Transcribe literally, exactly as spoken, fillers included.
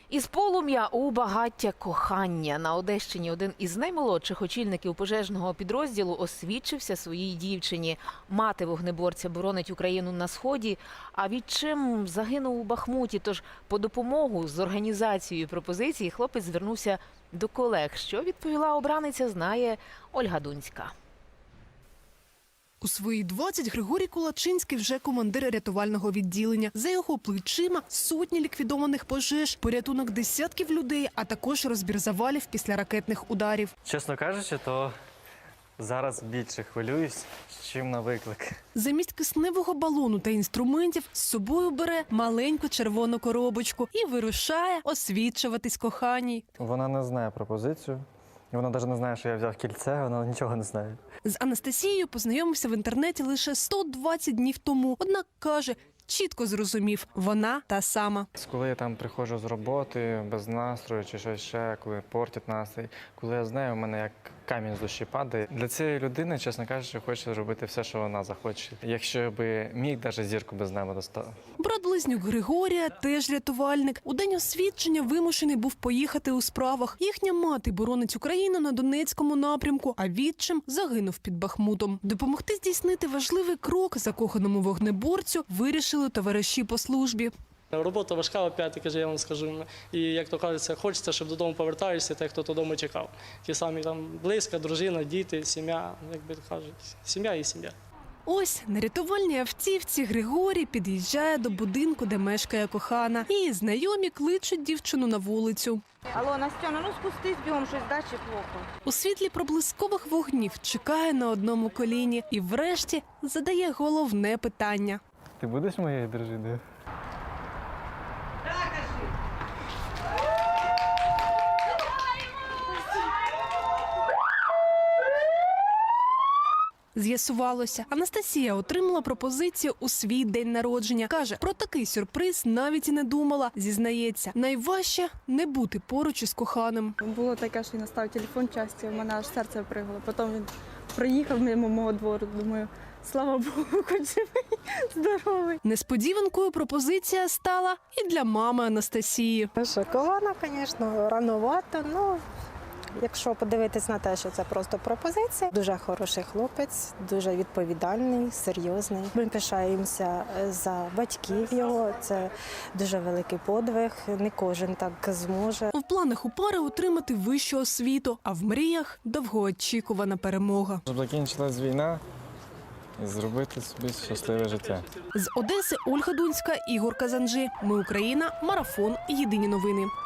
Із полум'я у багаття кохання. На Одещині один із наймолодших очільників пожежного підрозділу освідчився своїй дівчині. Мати вогнеборця боронить Україну на Сході, а відчим загинув у Бахмуті. Тож по допомогу з організацією пропозиції хлопець звернувся до колег. Що відповіла обраниця, знає Ольга Дунська. У свої двадцять Григорій Кулачинський вже командир рятувального відділення. За його плечима сотні ліквідованих пожеж, порятунок десятків людей, а також розбір завалів після ракетних ударів. Чесно кажучи, то зараз більше хвилююсь, чим на виклик. Замість кисневого балону та інструментів з собою бере маленьку червону коробочку і вирушає освідчуватись коханій. Вона не знає пропозицію. Вона навіть не знає, що я взяв кільце, вона нічого не знає. З Анастасією познайомився в інтернеті лише сто двадцять днів тому. Однак, каже, чітко зрозумів – вона та сама. Коли я там приходжу з роботи, без настрою чи щось ще, коли портять настрій, коли я з нею, у мене як камінь з душі падає. Для цієї людини, чесно кажучи, хочу зробити все, що вона захоче. Якщо би міг, навіть зірку без неба достав. Брат-близнюк Григорія теж рятувальник. У день освідчення вимушений був поїхати у справах. Їхня мати боронить Україну на Донецькому напрямку, а відчим загинув під Бахмутом. Допомогти здійснити важливий крок закоханому вогнеборцю вирішили товариші по службі. Робота важка, опять-таки, я вам скажу. І, як то кажеться, хочеться, щоб додому повертаєшся, той, хто додому чекав. Ті самі там близька, дружина, діти, сім'я, як би кажуть, сім'я і сім'я. Ось на рятувальній автівці Григорій під'їжджає до будинку, де мешкає кохана. І знайомі кличуть дівчину на вулицю. Алло, Настяна, ну спустись бігом, щось дачі плохо. У світлі проблискових вогнів чекає на одному коліні і врешті задає головне питання. Ти будеш моєю дружиною? З'ясувалося, Анастасія отримала пропозицію у свій день народження. Каже, про такий сюрприз навіть і не думала. Зізнається, найважче – не бути поруч із коханим. Було таке, що він настав телефон часті, в мене аж серце пригало. Потім він приїхав мимо мого двору, думаю, слава Богу, хоч живий, здоровий. Несподіванкою пропозиція стала і для мами Анастасії. Шокована, звісно, рановато, ну, якщо подивитись на те, що це просто пропозиція. Дуже хороший хлопець, дуже відповідальний, серйозний. Ми пишаємося за батьків його, це дуже великий подвиг, не кожен так зможе. В планах у пари отримати вищу освіту, а в мріях – довгоочікувана перемога. Щоб закінчилась війна і зробити собі щасливе життя. З Одеси Ольга Дунська, Ігор Казанжи. Ми Україна. Марафон. Єдині новини.